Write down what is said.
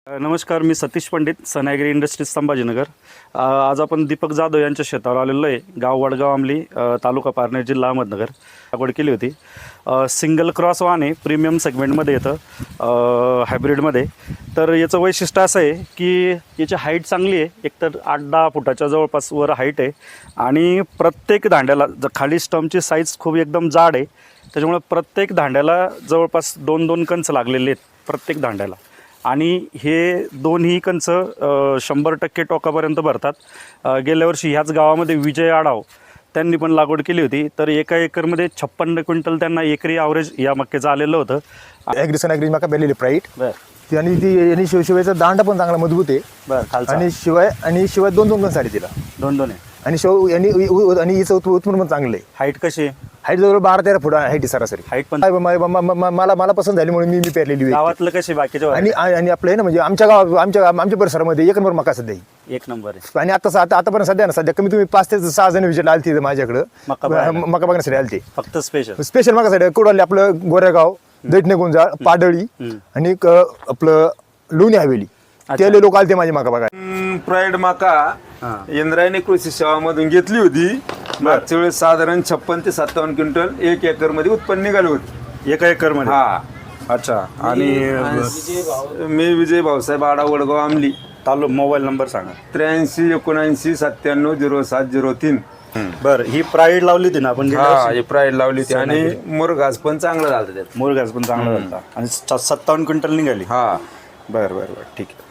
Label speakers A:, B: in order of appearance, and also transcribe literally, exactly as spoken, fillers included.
A: नमस्कार, मी सतीश पंडित, सनायगिरी इंडस्ट्रीज संभाजीनगर. अ, आज आपण दीपक जाधव यांच्या शेतावर आलेलो आहे. गाव वडगाव आमली, अ, तालुका पारनेर, जिल्हा अहमदनगर. लागवड केली होती. अ, सिंगल क्रॉस वाहन आहे, प्रीमियम सेगमेंटमध्ये येतं, अ, हायब्रिडमध्ये. तर याचं वैशिष्ट्य असं आहे की याची हाईट चांगली आहे. एकतर आठ दहा फुटाच्या जवळपास वर हाईट आहे आणि प्रत्येक दांड्याला ज खाली स्टमची साईज खूप एकदम जाड आहे. त्याच्यामुळे प्रत्येक दांड्याला जवळपास दोन दोन कंच लागलेले आहेत प्रत्येक दांड्याला. आणि हे दोन्ही कंच शंभर टक्के टोकापर्यंत भरतात. गेल्या वर्षी ह्याच गावामध्ये विजय आढाव त्यांनी पण लागवड केली होती. तर एका एकरमध्ये छप्पन्न क्विंटल त्यांना एकरी ॲव्हरेज या मक्याचं आलेलं होतं.
B: ॲग्रिसन ॲग्री मका बेलेली प्राईट
A: बरं.
B: आणि ती आणि शिव शिवायचा दांडा पण चांगला मजबूत आहे.
A: बरं.
B: आणि शिवाय आणि शिवाय दोन दोन दोन साडी तिला
A: दोन दोन आहे.
B: आणि शिव यांनी आणि हिचं उत्प- उत्पन्न पण चांगलं आहे.
A: हाईट कशी आहे?
B: हाईट जवळ बारा तेरा फूट हाईट सरासरी.
A: हाईट पण
B: म- म- म- म- मला मला पसंत झाली म्हणून मी मी पेरलेली आहे.
A: गावातलं कशी बाकीच्या
B: आणि आणि आपलं आहे ना, म्हणजे आमच्या गाव आमच्या आमच्या परिसरामध्ये एक नंबर मका सध्या आहे.
A: एक नंबर आहे.
B: आणि आता आता आतापर्यंत सध्या ना सध्या कमी तुम्ही पाच ते सहा जण विजिट आलती माझ्याकडं
A: मका बघायला.
B: मका बघण्यासाठी आलते.
A: फक्त स्पेशल
B: स्पेशल मकासाठी कुडाले आपलं गोरेगाव, दैठणे गुंजाळ, पाडळी आणि क- आपलं लोणी हवेली ते लोक आलते माझे मका बघा.
C: प्राईड मका इंद्रायणी कृषी सेवा मधून घेतली होती. मागच्या वेळेस साधारण छप्पन ते सत्तावन्न क्विंटल एक एकर मध्ये उत्पन्न निघालं होतं.
A: एका एकरमध्ये.
C: हा.
A: अच्छा. आणि
C: मी विजय भाऊसाहेब आडा, वडगाव आमली.
A: तालु मोबाईल नंबर सांगा.
C: त्र्याऐंशी एकोणऐंशी सत्त्याण्णव झिरो सात झिरो तीन.
A: बरं. ही प्राईड लावली होती ना आपण गेल्या
C: हा,
A: वर्षी?
C: हे प्राईड लावली होती आणि मुरघास पण चांगला झाला त्यात.
A: मोरघास पण चांगला होता आणि सत्तावन्न क्विंटल निघाली.
C: हा.
A: बरं बरं बरं ठीक आहे.